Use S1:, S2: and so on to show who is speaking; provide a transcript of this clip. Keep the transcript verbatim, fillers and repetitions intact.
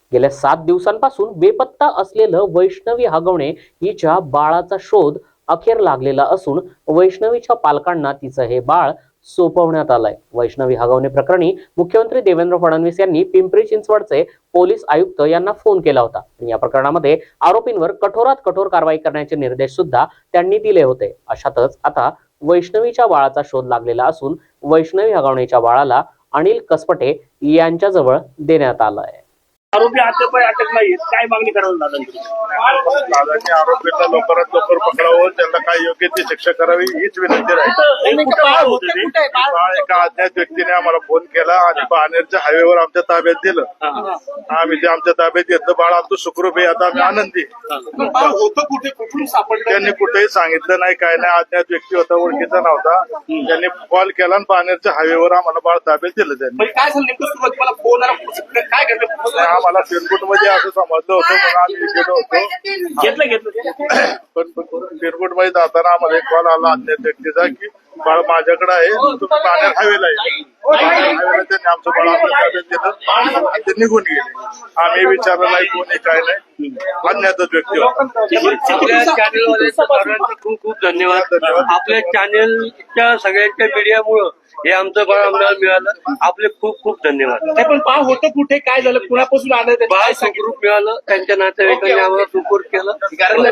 S1: गेल्या सात दिवसांपासून बेपत्ता असलेलं वैष्णवी हगवणे हिच्या बाळाचा शोध अखेर लागलेला असून वैष्णवीच्या पालकांना तिचं हे बाळ सोपवण्यात आलंय। वैष्णवी हगवणे प्रकरणी मुख्यमंत्री देवेंद्र फडणवीस यांनी पिंपरी चिंचवडचे पोलीस आयुक्त यांना फोन केला होता। या प्रकरणामध्ये आरोपींवर कठोरात कठोर कारवाई करण्याचे निर्देश सुद्धा त्यांनी दिले होते। अशातच आता वैष्णवीच्या बाळाचा शोध लागलेला असून वैष्णवी हगवणेच्या बाळाला अनिल कसपटे यांच्याजवळ देण्यात आलाय।
S2: आरोपी अद्याप अटक नाही, काय मागणी करावी दादा?
S3: दादांनी आरोपीला लवकरात लवकर पकडावं, त्यांना काय योग्य ती शिक्षा करावी हीच विनंती राहील। बाळ एका अज्ञात व्यक्तीने आम्हाला फोन केला आणि बाणेरच्या हायवेवर आमच्या ताब्यात दिलं। आम्ही ते आमच्या ताब्यात घेतलं। बाळ आमचं सुखरूप आहे, आता आम्ही आनंदी। त्यांनी कुठेही सांगितलं नाही, काय नाही। अज्ञात व्यक्ती होता, ओळखीचा नव्हता। त्यांनी कॉल केला आणि बाणेरच्या हायवेवर आम्हाला बाळ ताब्यात दिलं त्यांनी।
S2: काय झालं नेमकं सुरुवातीला फोन आला, काय घडलं?
S3: आम्हाला पिरकुट मध्ये असं समजलं होतं, म्हणून आम्ही गेलो होतो।
S2: घेतलं घेतलं
S3: पण पिरकुट मध्ये जाताना आम्हाला एक कॉल आला अज्ञात व्यक्तीचा की बाळ माझ्याकडे आहे, तुम्ही बाणेर हायवेला आहे। हायवेला त्यांनी आमचं बाळ आमच्या ताब्यात दिलं आणि ते निघून गेले। आम्ही विचारलं नाही कोणी काय नाही, अज्ञातच व्यक्ती होता।
S4: आपल्या चॅनलवाले सर्वांचे खूप खूप धन्यवाद। आपल्या चॅनलच्या सगळ्यांच्या मीडियामुळं हे आमचं बाळ आम्हाला मिळालं, आपले खूप खूप धन्यवाद।
S2: नाही पण बाळ होतं कुठे, काय झालं, कुणापासून आलं,
S4: बाळ सुखरूप मिळालं, त्यांच्या नातेवाईकांनी आम्हाला सुपूर्द केलं।